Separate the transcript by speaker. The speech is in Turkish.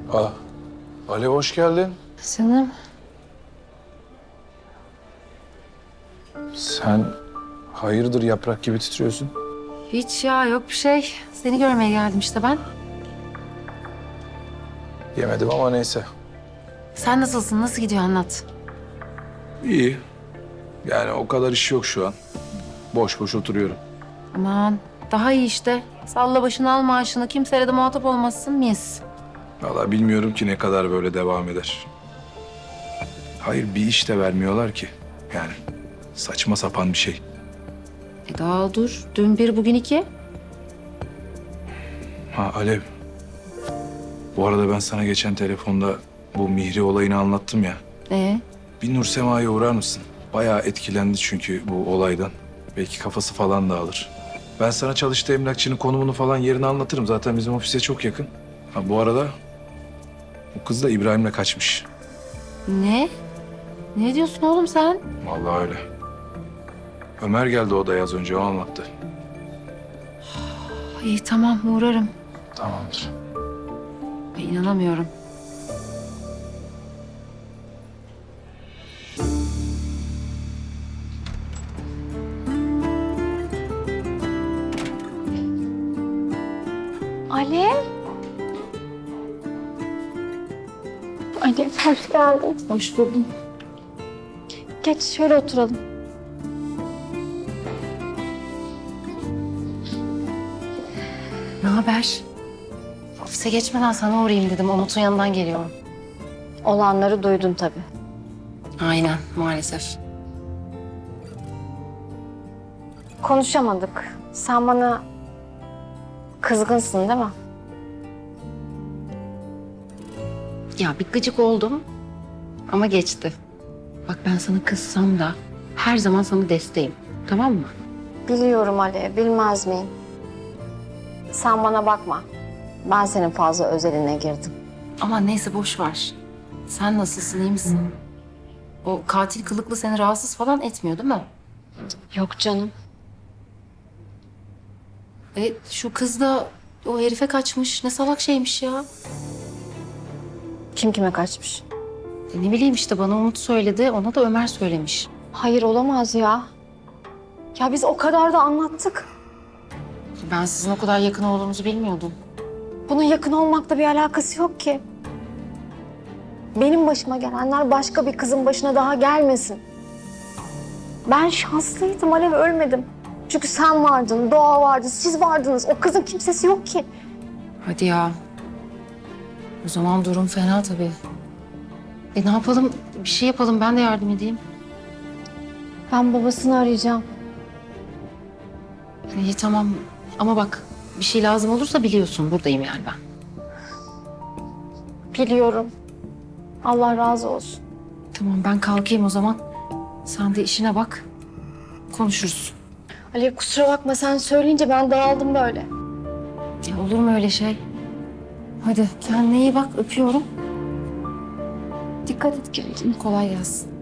Speaker 1: Aa, Alev hoş geldin.
Speaker 2: Canım.
Speaker 1: Sen hayırdır yaprak gibi titriyorsun?
Speaker 2: Hiç ya, yok bir şey. Seni görmeye geldim işte ben.
Speaker 1: Yemedim ama neyse.
Speaker 2: Sen nasılsın? Nasıl gidiyor anlat.
Speaker 1: İyi. Yani o kadar iş yok şu an. Boş boş oturuyorum.
Speaker 2: Aman daha iyi işte. Salla başını al maaşını. Kimseyle de muhatap olmazsın mis.
Speaker 1: Vallahi bilmiyorum ki ne kadar böyle devam eder. Hayır bir iş de vermiyorlar ki. Yani saçma sapan bir şey.
Speaker 2: Daha dur. Dün bir bugün iki.
Speaker 1: Ha Alev. Bu arada ben sana geçen telefonda bu Mihri olayını anlattım ya. Bir Nursema'ya uğrar mısın? Bayağı etkilendi çünkü bu olaydan. Belki kafası falan dağılır. Ben sana çalıştığı emlakçının konumunu falan yerini anlatırım. Zaten bizim ofise çok yakın. Ha, bu arada bu kız da İbrahim'le kaçmış.
Speaker 2: Ne? Ne diyorsun oğlum sen?
Speaker 1: Vallahi öyle. Ömer geldi odaya az önce o anlattı.
Speaker 2: İyi tamam uğrarım.
Speaker 1: Tamamdır.
Speaker 2: Ay, İnanamıyorum.
Speaker 3: Alev. Alev hoş geldin.
Speaker 2: Hoş buldum.
Speaker 3: Geç şöyle oturalım.
Speaker 2: Ne haber? Ofise geçmeden sana uğrayayım dedim. Umut'un yanından geliyorum.
Speaker 3: Olanları duydun tabii.
Speaker 2: Aynen maalesef.
Speaker 3: Konuşamadık. Sen bana kızgınsın değil mi?
Speaker 2: Ya bir gıcık oldum ama geçti. Bak ben sana kızsam da her zaman sana desteğim. Tamam mı?
Speaker 3: Biliyorum Alev, bilmez miyim? Sen bana bakma. Ben senin fazla özeline girdim.
Speaker 2: Ama neyse boş ver. Sen nasılsın, iyi misin? O katil kılıklı seni rahatsız falan etmiyor değil mi?
Speaker 3: Yok canım.
Speaker 2: Şu kız da o herife kaçmış. Ne salak şeymiş ya.
Speaker 3: Kim kime kaçmış?
Speaker 2: Ne bileyim işte bana Umut söyledi. Ona da Ömer söylemiş.
Speaker 3: Hayır olamaz ya. Ya biz o kadar da anlattık.
Speaker 2: Ben sizin o kadar yakın olduğunuzu bilmiyordum.
Speaker 3: Bunun yakın olmakla bir alakası yok ki. Benim başıma gelenler başka bir kızın başına daha gelmesin. Ben şanslıydım Alev, ölmedim. Çünkü sen vardın, Doğa vardı, siz vardınız. O kızın kimsesi yok ki.
Speaker 2: Hadi ya. O zaman durum fena tabii. Ne yapalım? Bir şey yapalım. Ben de yardım edeyim.
Speaker 3: Ben babasını arayacağım.
Speaker 2: İyi tamam. Ama bak bir şey lazım olursa biliyorsun. Buradayım yani ben.
Speaker 3: Biliyorum. Allah razı olsun.
Speaker 2: Tamam ben kalkayım o zaman. Sen de işine bak. Konuşuruz.
Speaker 3: Alev kusura bakma, sen söyleyince ben dağıldım böyle.
Speaker 2: Ya olur mu öyle şey? Hadi kendine iyi bak. Öpüyorum.
Speaker 3: Dikkat et kendine.
Speaker 2: Kolay gelsin.